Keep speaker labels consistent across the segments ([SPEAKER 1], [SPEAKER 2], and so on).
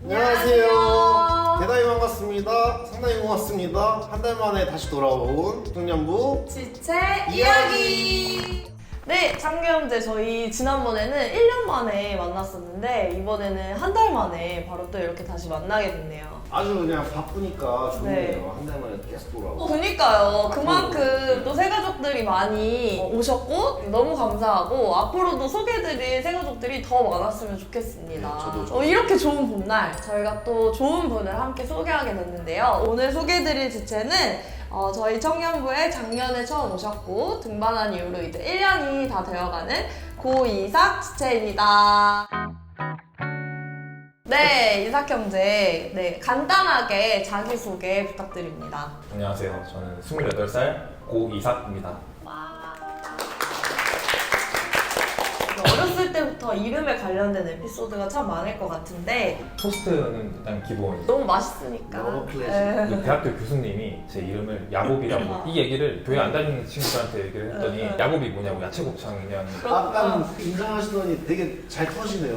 [SPEAKER 1] 안녕하세요. 대단히 반갑습니다. 상당히 고맙습니다. 한 달 만에 다시 돌아온 중년부
[SPEAKER 2] 지체 이야기. 네, 창규형제 저희 지난번에는 1년 만에 만났었는데 이번에는 한 달 만에 바로 또 이렇게 다시 만나게 됐네요.
[SPEAKER 1] 아주 그냥 바쁘니까 좋네요.
[SPEAKER 2] 네.
[SPEAKER 1] 한 달 만에 계속 돌아오고.
[SPEAKER 2] 그니까요. 그만큼 또 새가족들이 많이 오셨고 너무 감사하고 앞으로도 소개해드릴 새가족들이 더 많았으면 좋겠습니다.
[SPEAKER 1] 네, 저도 좋아요.
[SPEAKER 2] 이렇게 좋은 봄날 저희가 또 좋은 분을 함께 소개하게 됐는데요. 오늘 소개해드릴 주체는 저희 청년부에 작년에 처음 오셨고 등반한 이후로 이제 1년이 다 되어가는 고이삭 지체입니다. 네, 이삭 형제. 네, 간단하게 자기소개 부탁드립니다.
[SPEAKER 3] 안녕하세요. 저는 28살 고이삭입니다.
[SPEAKER 2] 어렸을 때부터 이름에 관련된 에피소드가 참 많을 것 같은데
[SPEAKER 3] 토스트는 일단 기본.
[SPEAKER 2] 너무 맛있으니까.
[SPEAKER 1] 너무 클래식.
[SPEAKER 2] 네.
[SPEAKER 3] 그 대학교 교수님이 제 이름을 야곱이라고 이 얘기를 교회 안 다니는 친구들한테 얘기를 했더니 야곱이 뭐냐고 야채곱창이냐는
[SPEAKER 1] 아까 인정하시더니 되게 잘 터지네요.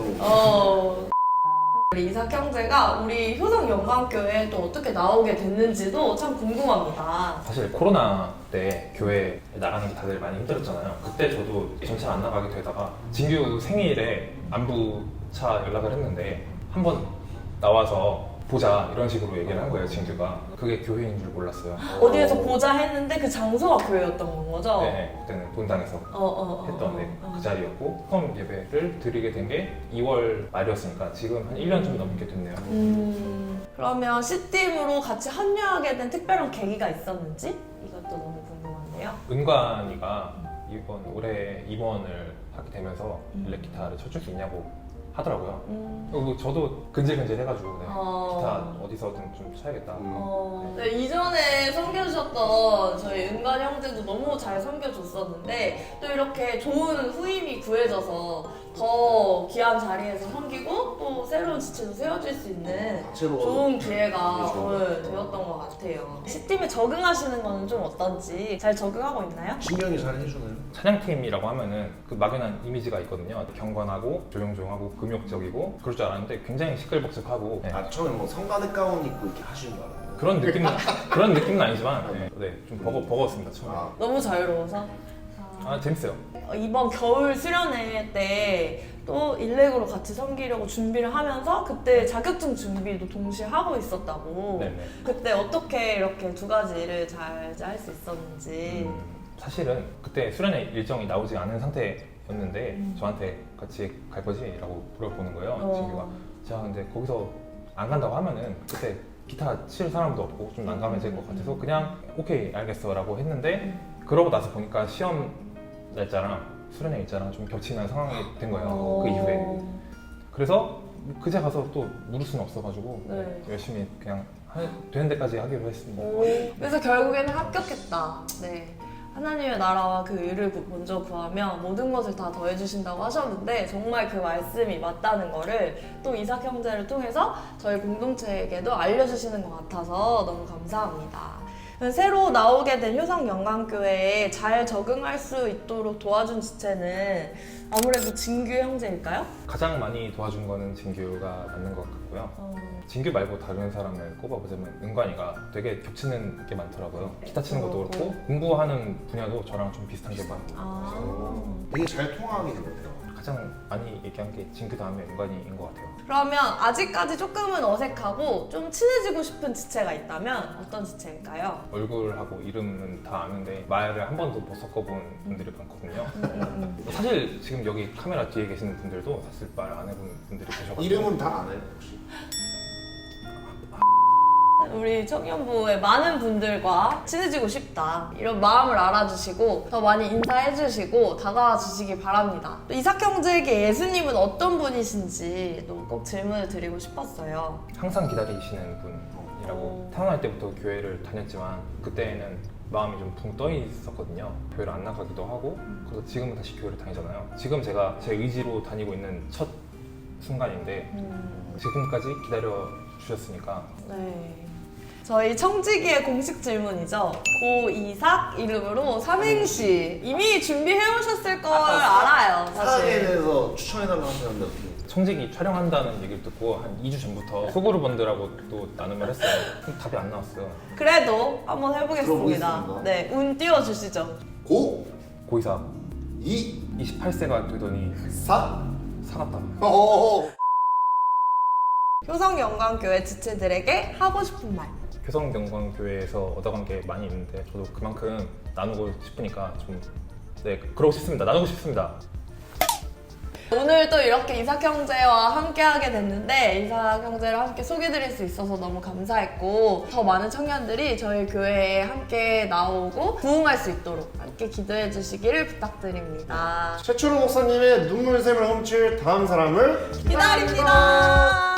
[SPEAKER 2] 우리 이삭 형제가 우리 효성 영광교회에 또 어떻게 나오게 됐는지도 참 궁금합니다.
[SPEAKER 3] 사실 코로나 때 교회 나가는 게 다들 많이 힘들었잖아요. 그때 저도 전체 안 나가게 되다가 진규 생일에 안부차 연락을 했는데 한번 나와서 보자 이런 식으로 얘기를 한 거예요. 진규가. 그게 교회인 줄 몰랐어요.
[SPEAKER 2] 어디에서 보자 했는데 그 장소가 교회였던 건 거죠?
[SPEAKER 3] 네, 그때는 본당에서 했던 그 자리였고 처음 예배를 드리게 된 게 2월 말이었으니까 지금 한 1년 좀 넘게 됐네요.
[SPEAKER 2] 그러면 C팀으로 같이 합류하게 된 특별한 계기가 있었는지 이것도 너무 궁금한데요.
[SPEAKER 3] 은관이가 이번 올해 임원을 하게 되면서 일렉기타를 쳐줄 수 있냐고 하더라고요. 그리고 저도 근질근질 해가지고 네, 기타 어디서든 좀 쳐야겠다.
[SPEAKER 2] 네, 이전에 섬겨주셨던 저희 은관 형제도 너무 잘 섬겨줬었는데 또 이렇게 좋은 후임이 구해져서 더 귀한 자리에서 섬기고 또 새로운 지체도 세워질 수 있는
[SPEAKER 1] 새로
[SPEAKER 2] 좋은 기회가
[SPEAKER 1] 네, 좋은
[SPEAKER 2] 되었던 것 같아요. C팀에 적응하시는 거는 좀 어떤지 잘 적응하고 있나요?
[SPEAKER 1] 신경이 잘 해주나요?
[SPEAKER 3] 찬양팀이라고 하면은 그 막연한 이미지가 있거든요. 경건하고 조용조용하고 금욕적이고 그럴 줄 알았는데 굉장히 시끌벅적하고 네.
[SPEAKER 1] 아 처음에 뭐 성가대 가운 입고 이렇게 하시는 줄 알았는데.
[SPEAKER 3] 그런 느낌은 아니지만 네, 좀 버거웠습니다 처음에.
[SPEAKER 2] 너무 자유로워서?
[SPEAKER 3] 재밌어요.
[SPEAKER 2] 이번 겨울 수련회 때 또 일렉으로 같이 섬기려고 준비를 하면서 그때 자격증 준비도 동시에 하고 있었다고.
[SPEAKER 3] 네네.
[SPEAKER 2] 그때 어떻게 이렇게 두 가지를 잘 할 수 있었는지.
[SPEAKER 3] 사실은 그때 수련회 일정이 나오지 않은 상태였는데 저한테 같이 갈 거지? 라고 물어보는 거예요. 진규가. 제가 근데 거기서 안 간다고 하면은 그때 기타 칠 사람도 없고 좀 난감해질 것 같아서 그냥 오케이 알겠어 라고 했는데 그러고 나서 보니까 시험 날짜랑 수련회 일자랑 좀 겹치는 상황이 된 거예요. 그 이후에. 그래서 그제 가서 또 물을 수는 없어가지고
[SPEAKER 2] 네.
[SPEAKER 3] 열심히 그냥 되는 데까지 하기로 했습니다.
[SPEAKER 2] 그래서 결국에는 합격했다. 네. 하나님의 나라와 그 의를 먼저 구하며 모든 것을 다 더해주신다고 하셨는데 정말 그 말씀이 맞다는 거를 또 이삭 형제를 통해서 저희 공동체에게도 알려주시는 것 같아서 너무 감사합니다. 새로 나오게 된 효성 영광교회에 잘 적응할 수 있도록 도와준 지체는 아무래도 진규 형제일까요?
[SPEAKER 3] 가장 많이 도와준 거는 진규가 맞는 것 같고요. 진규 말고 다른 사람을 꼽아보자면 은관이가 되게 겹치는 게 많더라고요. 기타 치는 것도 그렇고 공부하는 분야도 저랑 좀 비슷한 게 많고
[SPEAKER 1] 되게 잘 통하게 된 것 같아요.
[SPEAKER 3] 가장 많이 얘기한 게 진규 다음에 은관이인 것 같아요.
[SPEAKER 2] 그러면 아직까지 조금은 어색하고 좀 친해지고 싶은 지체가 있다면 어떤 지체일까요?
[SPEAKER 3] 얼굴하고 이름은 다 아는데 말을 한 번도 못 섞어본 분들이 많거든요. 사실 지금 여기 카메라 뒤에 계시는 분들도 사실 말 안 해본 분들이 계셔가지고
[SPEAKER 1] 이름은 다 아나요 혹시?
[SPEAKER 2] 우리 청년부의 많은 분들과 친해지고 싶다 이런 마음을 알아주시고 더 많이 인사해주시고 다가와 주시기 바랍니다. 또 이삭 형제에게 예수님은 어떤 분이신지 또 꼭 질문을 드리고 싶었어요.
[SPEAKER 3] 항상 기다리시는 분이라고 태어날 때부터 교회를 다녔지만 그때는 마음이 좀 붕 떠 있었거든요. 교회를 안 나가기도 하고 그래서 지금은 다시 교회를 다니잖아요. 지금 제가 제 의지로 다니고 있는 첫 순간인데 지금까지 기다려 주셨으니까
[SPEAKER 2] 네. 저희 청지기의 공식 질문이죠. 고이삭 이름으로 삼행시 이미 준비해 오셨을 걸 알아요.
[SPEAKER 1] 사랑에
[SPEAKER 2] 사실.
[SPEAKER 1] 대해서 추천해달라고 하셨는데 어떻게?
[SPEAKER 3] 청직이 촬영한다는 얘기를 듣고 한 2주 전부터 소그룹원들하고 또 나눔을 했어요. 근데 답이 안 나왔어요.
[SPEAKER 2] 그래도 한번 해보겠습니다.
[SPEAKER 1] 들어보겠습니다.
[SPEAKER 2] 네, 운 띄워주시죠.
[SPEAKER 1] 고!
[SPEAKER 3] 고이사
[SPEAKER 1] 2!
[SPEAKER 3] 28세가 되더니
[SPEAKER 1] 4!
[SPEAKER 3] 사갔다.
[SPEAKER 1] 어어어.
[SPEAKER 2] 효성영광교회 지체들에게 하고 싶은 말.
[SPEAKER 3] 효성경광교회에서 얻어간 게 많이 있는데 저도 그만큼 나누고 싶으니까 좀 그러고 싶습니다. 나누고 싶습니다.
[SPEAKER 2] 오늘 또 이렇게 이삭형제와 함께 하게 됐는데 이삭형제를 함께 소개드릴 수 있어서 너무 감사했고 더 많은 청년들이 저희 교회에 함께 나오고 부흥할 수 있도록 함께 기도해 주시기를 부탁드립니다.
[SPEAKER 1] 최초로 목사님의 눈물샘을 훔칠 다음 사람을
[SPEAKER 2] 기다립니다.